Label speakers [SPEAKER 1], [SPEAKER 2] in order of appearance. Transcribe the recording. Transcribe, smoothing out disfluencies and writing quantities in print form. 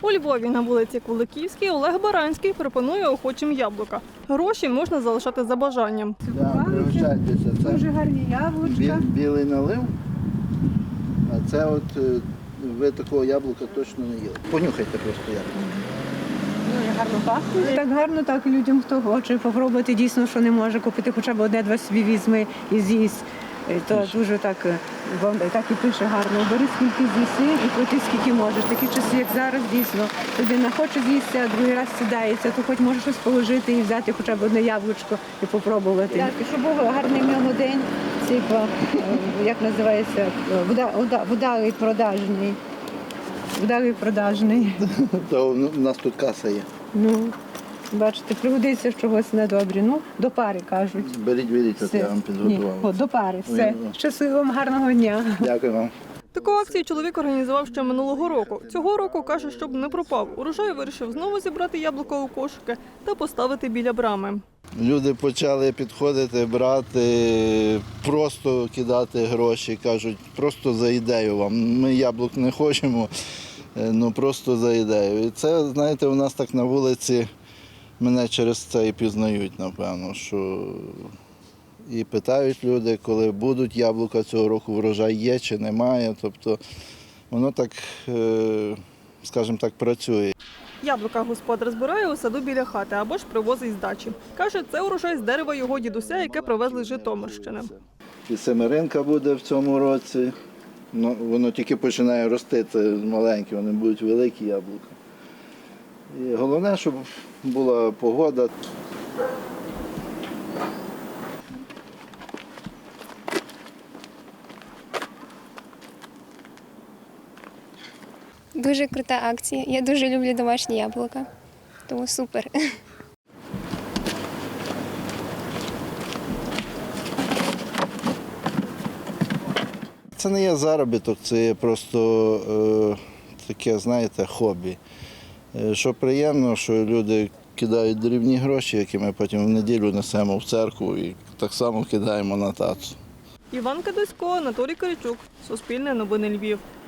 [SPEAKER 1] У Львові на вулиці Куликівській Олег Баранський пропонує охочим яблука. Гроші можна залишати за бажанням.
[SPEAKER 2] Да, пригощайтеся. Це
[SPEAKER 3] Дуже гарні яблучка.
[SPEAKER 2] білий налив, а це от ви такого яблука точно не їли. Понюхайте просто яблуко.
[SPEAKER 3] Дуже гарно пахнуть. Так гарно, так людям, хто хоче попробувати, дійсно, що не може купити, хоча б одне-два собі візьми і з'їсть. То дуже так і пише гарно. Бери скільки з'їси і плати скільки можеш. Такі часи, як зараз, дійсно, людина хоче з'їсти, а другий раз сідається, то хоч може щось положити і взяти хоча б одне яблучко і попробувати. Так, і щоб був гарний в ньому день, як називається, вдалий продажний. Вдалий продажний.
[SPEAKER 2] То у нас тут каса є.
[SPEAKER 3] Ну, бачите, пригодиться чогось недобре. Ну, до пари, кажуть.
[SPEAKER 2] Беріть, от я вам підготував.
[SPEAKER 3] Ні, до пари, все. Щасливого, гарного дня.
[SPEAKER 2] Дякую вам.
[SPEAKER 1] Таку акцію чоловік організував ще минулого року. Цього року, каже, щоб не пропав. Урожай вирішив знову зібрати яблуко у кошики та поставити біля брами.
[SPEAKER 2] Люди почали підходити, брати, просто кидати гроші, кажуть, просто за ідею вам. Ми яблук не хочемо, ну просто за ідею. І це, знаєте, у нас так на вулиці мене через це і пізнають, напевно, що і питають люди, коли будуть яблука цього року, врожай є чи немає. Тобто воно так, скажімо так, працює.
[SPEAKER 1] Яблука господар збирає у саду біля хати або ж привозить з дачі. Каже, це урожай з дерева його дідуся, яке привезли з Житомирщини.
[SPEAKER 2] І семеринка буде в цьому році. Ну, воно тільки починає рости, це маленькі, вони будуть великі яблука. І головне, щоб була погода.
[SPEAKER 4] Дуже крута акція. Я дуже люблю домашні яблука. Тому супер.
[SPEAKER 2] Це не є заробіток, це є просто таке, знаєте, хобі. Що приємно, що люди кидають дрібні гроші, які ми потім в неділю несемо в церкву і так само кидаємо на тацу.
[SPEAKER 1] Іван Кадисько, Анатолій Киричук. Суспільне новини Львів.